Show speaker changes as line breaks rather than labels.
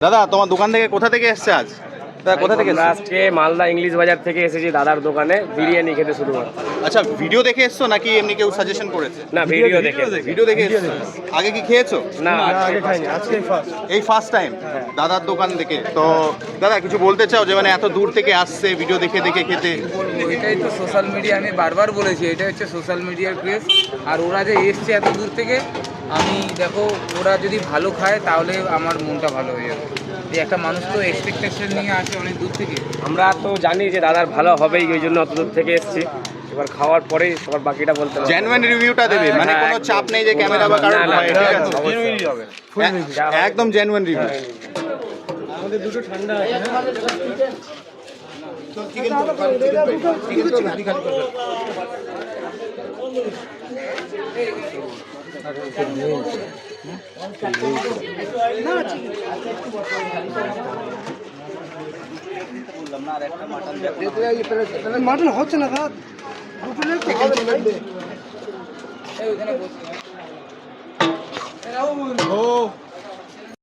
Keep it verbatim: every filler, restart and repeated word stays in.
দাদা তোমার দোকান থেকে কোথা থেকে এসছে আজ? দাদা কোথা থেকে এসছে?
আজকে মালদা ইংলিশ বাজার থেকে এসেছি দাদার দোকানে বিরিয়ানি খেতে শুরু করতে।
আচ্ছা, ভিডিও দেখে এসছো নাকি এমনি কেউ সাজেশন করেছে?
না, ভিডিও দেখে।
ভিডিও দেখে এসছো? আগে কি খেয়েছো?
না,
আগে খাইনি, আজকেই ফার্স্ট।
এই ফার্স্ট টাইম দাদার দোকান থেকে। তো দাদা কিছু বলতে চাও যে মানে এত দূর থেকে আসছে ভিডিও দেখে দেখে খেতে?
বলবো এটাই তো সোশ্যাল মিডিয়া, আমি বারবার বলেছি এটা হচ্ছে সোশ্যাল মিডিয়ার ক্রেজ। আর ওরা যে এসছে এত দূর থেকে, আমি দেখো ওরা যদি ভালো খায় তাহলে আমার মনটা ভালো হয়ে যাবে। এই একটা মানুষ তো এক্সপেকটেশন নিয়ে আসে অনেক দূর থেকে।
আমরা তো জানি যে দাদার ভালো হবেই, ওই জন্য অত দূর থেকে এসেছি। এবার খাওয়ার পরেই সবার বাকিটা বলতে হবে।
জেনুইন রিভিউটা দেবে, মানে কোনো চাপ নেই যে ক্যামেরা বা কারণ
না, না,
ভয়,
না,
ঠিক
না,
আছে?
অবশ্যই।
এ- একদম জেনুইন রিভিউ।
আমাদের দুটো ঠান্ডা আছে না? মাটন হচ্ছে না দাদা, দুটো লেগ তো হবে না।
এই ওখানে বসে
ও